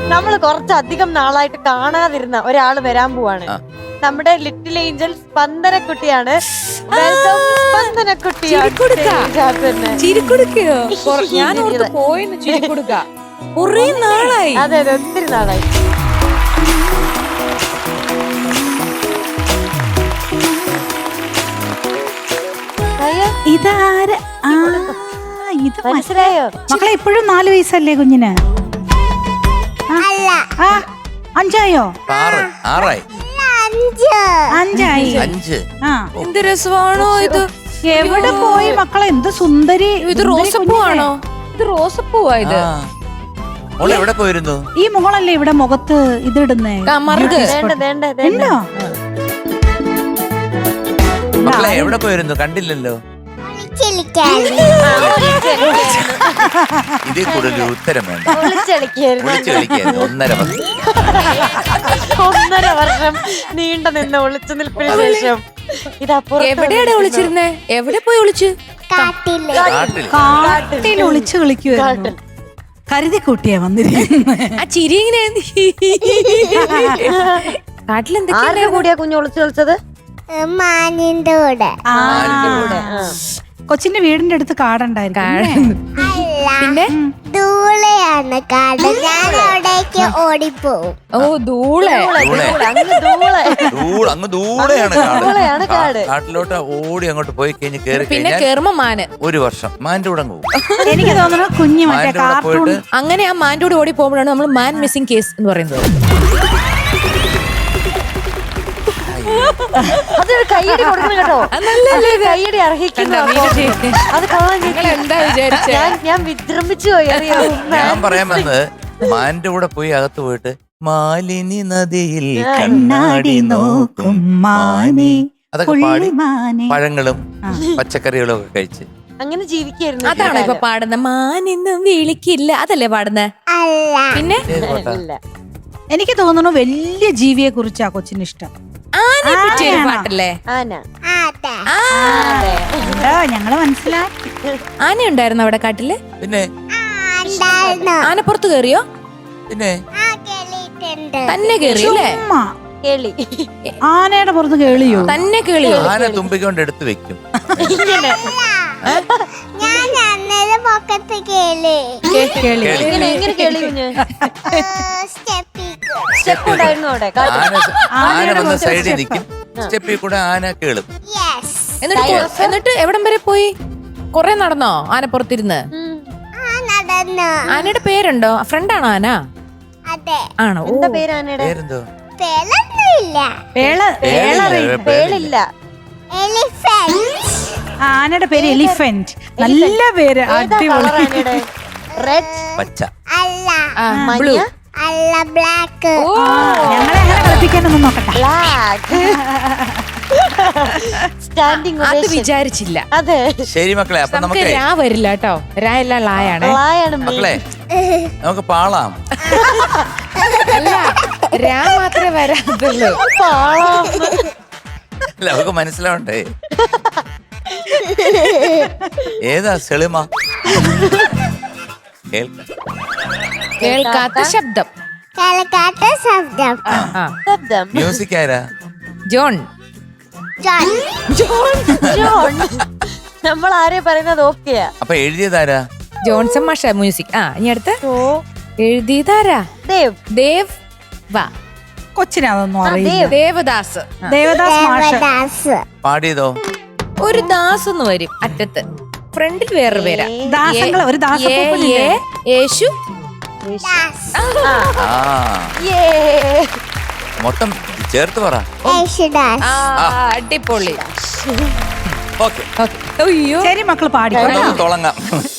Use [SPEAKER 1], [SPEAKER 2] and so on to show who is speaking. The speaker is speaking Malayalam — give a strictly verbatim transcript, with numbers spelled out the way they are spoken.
[SPEAKER 1] നമ്മള് കുറച്ചധികം നാളായിട്ട് കാണാതിരുന്ന ഒരാള് വരാൻ പോവാണ്. നമ്മുടെ ലിറ്റിൽ ഏഞ്ചൽ സ്പന്ദനക്കുട്ടിയാണ്. വെൽക്കം സ്പന്ദനക്കുട്ടി.
[SPEAKER 2] ഞാൻ പോയെന്ന് ചിരിക്കൊടുക്ക കുറേ നാളായി.
[SPEAKER 1] അതെ അതെ ഒത്തിരി നാളായി.
[SPEAKER 3] ഇതാര ഇത്
[SPEAKER 1] മനസ്സിലായോ
[SPEAKER 3] മക്കളെ? ഇപ്പോഴും നാല് വയസ്സല്ലേ കുഞ്ഞിന്? അഞ്ചായോ?
[SPEAKER 4] ആറായി.
[SPEAKER 3] അഞ്ചായി. ആ
[SPEAKER 2] എന്ത് രസമാണോ ഇത്?
[SPEAKER 3] എവിടെ പോയി മക്കളെ? എന്ത് സുന്ദരി.
[SPEAKER 2] ഇത് റോസപ്പൂവാണോ? ഇത് റോസപ്പൂവാ ഇത്.
[SPEAKER 4] എവിടെ പോയിരുന്നു?
[SPEAKER 3] ഈ മോളല്ലേ ഇവിടെ മുഖത്ത് ഇതിടുന്നേ? ഉണ്ടോ?
[SPEAKER 4] മക്കളെ എവിടെ പോയിരുന്നു? കണ്ടില്ലല്ലോ. ഇതിൽ കൂടുതൽ ഉത്തരം വേണ്ട. ഒന്നര വർഷം
[SPEAKER 1] ഒന്നര വർഷം നീണ്ട നിന്ന് ഒളിച്ചു നിൽപ്പിന് ശേഷം
[SPEAKER 2] എവിടെയാണ് ഒളിച്ചിരുന്നേ? എവിടെ പോയി ഒളിച്ചു?
[SPEAKER 3] കാട്ടിൽ ഒളിച്ചു കളിക്കുവായിരുന്നു. കരുതി കൂട്ടിയാ വന്നിരിക്കുന്നത്.
[SPEAKER 2] ആ ചിരി ഇങ്ങനെ കാട്ടിലെന്തൊക്കെയാ
[SPEAKER 1] കൂടിയാ കുഞ്ഞു ഒളിച്ചു കളിച്ചത്?
[SPEAKER 5] മാനിന്റെ കൂടെ.
[SPEAKER 3] കൊച്ചിന്റെ വീടിന്റെ അടുത്ത് കാടുണ്ടായിരുന്നു.
[SPEAKER 2] പിന്നെ
[SPEAKER 5] ദൂളയാണ് കാട്. ഞാൻ അവിടേക്ക് ഓടിപ്പോവും.
[SPEAKER 2] ഓ ദൂളെ.
[SPEAKER 4] അങ്ങ് ദൂരെയാണ് കാട്. കാട്ടിലോട്ട് ഓടി അങ്ങോട്ട് പോയി കഴിഞ്ഞ് കേറി
[SPEAKER 2] പിന്നെ കേറുമ്പോ മാന്.
[SPEAKER 4] ഒരു വർഷം മാന്റെ കൂടെ പോകും.
[SPEAKER 3] എനിക്ക് തോന്നുന്നു കുഞ്ഞു മറ്റേ കാർട്ടൂൺ.
[SPEAKER 2] അങ്ങനെ ആ മാന്റെ കൂടെ ഓടി പോകുമ്പോഴാണ് നമ്മൾ മാൻ മിസ്സിംഗ് കേസ് എന്ന് പറയുന്നത്.
[SPEAKER 1] അതൊരു കൈയടി കൊടുക്കണം കേട്ടോ. കൈയടി അർഹിക്കുന്നു. അത്
[SPEAKER 2] എന്താ വിചാരിച്ച?
[SPEAKER 1] ഞാൻ വിജൃംഭിച്ചു പോയി. അറിയോ,
[SPEAKER 4] ഞാൻ പറയാൻ വന്നത് മാന്റെ കൂടെ പോയി അകത്ത് പോയിട്ട് മാലിനി നദിയിൽ
[SPEAKER 3] കണ്ണാടി നോക്കും മാനെ.
[SPEAKER 4] അതൊക്കെ പാടി പഴങ്ങളും പച്ചക്കറികളും ഒക്കെ കഴിച്ച്
[SPEAKER 1] അങ്ങനെ ജീവിക്കായിരുന്നു.
[SPEAKER 2] അതാണോ ഇപ്പൊ പാടുന്ന? മാനിന്നും വിളിക്കില്ല അതല്ലേ പാടുന്ന? പിന്നെ
[SPEAKER 3] എനിക്ക് തോന്നുന്നു വലിയ ജീവിയെ കുറിച്ചാ കൊച്ചിന് ഇഷ്ടം.
[SPEAKER 2] പാട്ടല്ലേ?
[SPEAKER 3] ഞങ്ങള് മനസ്സിലാക്കി.
[SPEAKER 2] ആന ഉണ്ടായിരുന്നു അവിടെ കാട്ടില്?
[SPEAKER 4] പിന്നെ
[SPEAKER 2] ആനപ്പുറത്ത് കേറിയോ?
[SPEAKER 4] പിന്നെ
[SPEAKER 2] തന്നെ കേറിയല്ലേ?
[SPEAKER 3] ആനയുടെ പുറത്ത് കേളിയോ?
[SPEAKER 2] തന്നെ കേളിയോ?
[SPEAKER 4] ആന തുമ്പിക്കൊണ്ട് എടുത്ത് വെക്കും. ആന വന്ന് സൈഡിൽ നിൽക്കും. സ്റ്റെപ്പിൽ കൂടെ ആന കേളും.
[SPEAKER 2] എന്നിട്ട് എവിടം വരെ പോയി? കൊറേ നടന്നോ ആനപ്പുറത്തിരുന്ന്? ആനയുടെ പേരുണ്ടോ? ഫ്രണ്ടാണോ ആന? ആണോ?
[SPEAKER 1] എന്താ പേര് ആനയുടെ?
[SPEAKER 4] പേരെന്തോ?
[SPEAKER 3] ആനയുടെ പേര് എലിഫന്റ്. നല്ല പേര്. അടിപൊളി.
[SPEAKER 4] പച്ച.
[SPEAKER 2] ബ്ലൂ.
[SPEAKER 3] ഞങ്ങളെ അങ്ങനെ കളിപ്പിക്കാനൊന്നും നോക്കട്ടെ.
[SPEAKER 1] സ്റ്റാൻഡിങ്
[SPEAKER 2] അത് വിചാരിച്ചില്ല.
[SPEAKER 1] അതെ
[SPEAKER 4] ശരി മക്കളെ, അപ്പൊ നമുക്ക്
[SPEAKER 2] രാ വരില്ല കേട്ടോ. രാ എല്ല ലായാണ്.
[SPEAKER 4] മക്കളെ നമുക്ക് പാളാം.
[SPEAKER 2] അല്ല രാ മാത്രമേ വരാത്തുള്ളൂ.
[SPEAKER 4] അല്ല നമുക്ക് മനസ്സിലാവണ്ടേ ഏതാ സെളിമ?
[SPEAKER 2] കേൾക്കാത്ത ശബ്ദം.
[SPEAKER 5] കേൾക്കാത്ത ശബ്ദം.
[SPEAKER 1] ശബ്ദം.
[SPEAKER 4] മ്യൂസിക് ആരാ?
[SPEAKER 2] ജോൺ.
[SPEAKER 1] നമ്മൾ ആരെ പറയുന്നത് ഓക്കെയാ.
[SPEAKER 4] അപ്പൊ എഴുതിയതാരാ?
[SPEAKER 2] ജോൺസൺ മാഷ മ്യൂസിക്. ആ ഇനി അടുത്ത് എഴുതിയതാരാ?
[SPEAKER 1] ദേവ്.
[SPEAKER 2] ദേവ് വാ.
[SPEAKER 3] കൊച്ചിനതൊന്നും അറിയില്ല.
[SPEAKER 2] ദേവദാസ്.
[SPEAKER 3] ദേവദാസ് മാഷ്.
[SPEAKER 4] പാടിയതോ?
[SPEAKER 2] ഒരു ദാസ് എന്ന് വരും അറ്റത്ത്. ഫ്രണ്ടിൽ വേറെ പേരാ.
[SPEAKER 3] ദാസങ്ങള് ഒരു ദാസപ്പൂപ്പനില്ലേ?
[SPEAKER 2] യേശു.
[SPEAKER 4] മൊത്തം ചേർത്ത് പറ.
[SPEAKER 2] അടിപൊളി.
[SPEAKER 4] ഓക്കെ
[SPEAKER 2] അയ്യോ
[SPEAKER 3] ശരി മക്കള് പാടി
[SPEAKER 4] തുടങ്ങാം.